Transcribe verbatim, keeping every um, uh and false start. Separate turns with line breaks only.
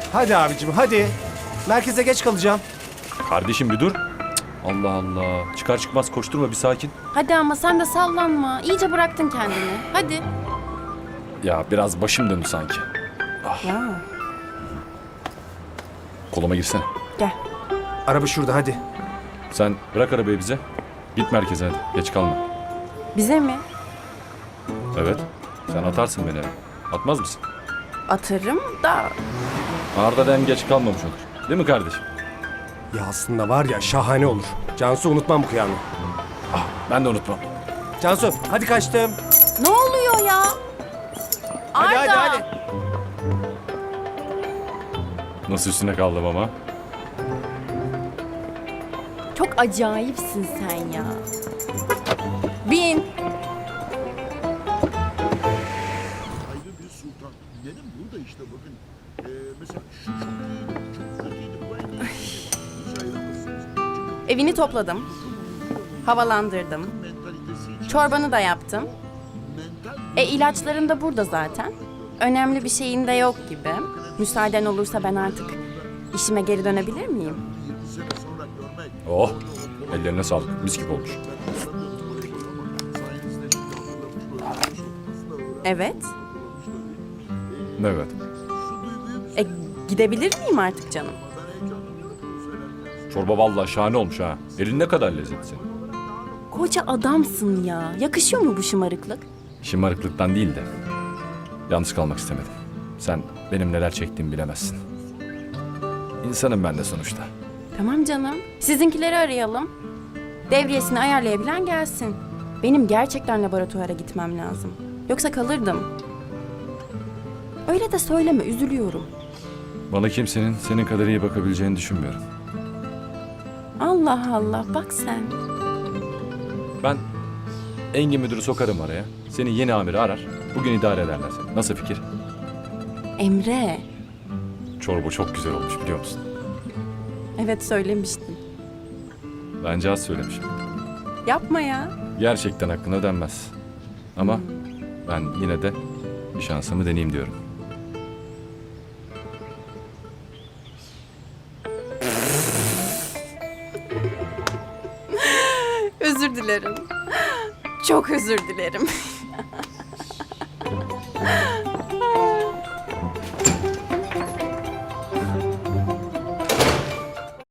Hadi abicim hadi. Merkeze geç kalacağım.
Kardeşim bir dur. Cık, Allah Allah. Çıkar çıkmaz koşturma, bir sakin.
Hadi ama sen de sallanma. İyice bıraktın kendini. Hadi.
Ya biraz başım döndü sanki.
Ya.
Koluma girsene.
Gel.
Araba şurada hadi.
Sen bırak arabayı bize. Git merkeze hadi. Geç kalma.
Bize mi?
Evet. Sen atarsın beni eve. Atmaz mısın?
Atarım da.
Arda da hem geç kalmamış olur. Değil mi kardeşim?
Ya aslında var ya şahane olur. Cansu unutmam bu kıyamı.
Ah, ben de unutmam.
Cansu hadi kaçtım.
Ne oluyor ya?
Hadi
Arda.
hadi hadi.
Nasıl üstüne kaldım ama?
Çok acayipsin sen ya. Bin.
Ayrı bir sultan. Benim burada işte bakın. Ee, mesela şu çok iyiydi, çok kötüydü. Bu en iyisi. Hiç ayıramazsınız. Çünkü
Evini topladım. Havalandırdım.
mentalitesi için
Çorbanı da yaptım.
mental
E ilaçların da burada zaten. Önemli bir şeyin de yok gibi. Müsaaden olursa ben artık işime geri dönebilir miyim?
yirmi sene sonra görmek.
Oh. Ellerine sağlık. Mis gibi olmuş.
Sayenizde şimdi hatırlamış böyle bir şey olmasına öğren-
Evet.
Evet.
E gidebilir miyim artık canım?
Çorba vallahi şahane olmuş ha. Elin ne kadar lezzetli senin.
Koca adamsın ya. Yakışıyor mu bu şımarıklık?
Şımarıklıktan değil de yalnız kalmak istemedim. Sen benim neler çektiğimi bilemezsin. İnsanım ben de sonuçta.
Tamam canım. Sizinkileri arayalım. Devriyesini ayarlayabilen gelsin. Benim gerçekten laboratuvara gitmem lazım. Yoksa kalırdım. Öyle de söyleme, üzülüyorum.
Bana kimsenin senin kadar iyi bakabileceğini düşünmüyorum.
Allah Allah, bak sen.
Ben Engin müdürü sokarım araya. Seni yeni amiri arar. Bugün idare ederler seni. Nasıl fikir?
Emre.
Çorba çok güzel olmuş biliyor musun?
Evet söylemiştin.
Bence az söylemişim.
Yapma ya.
Gerçekten hakkına denmez. Ama ben yine de bir şansımı deneyeyim diyorum.
Özür dilerim. Çok özür dilerim.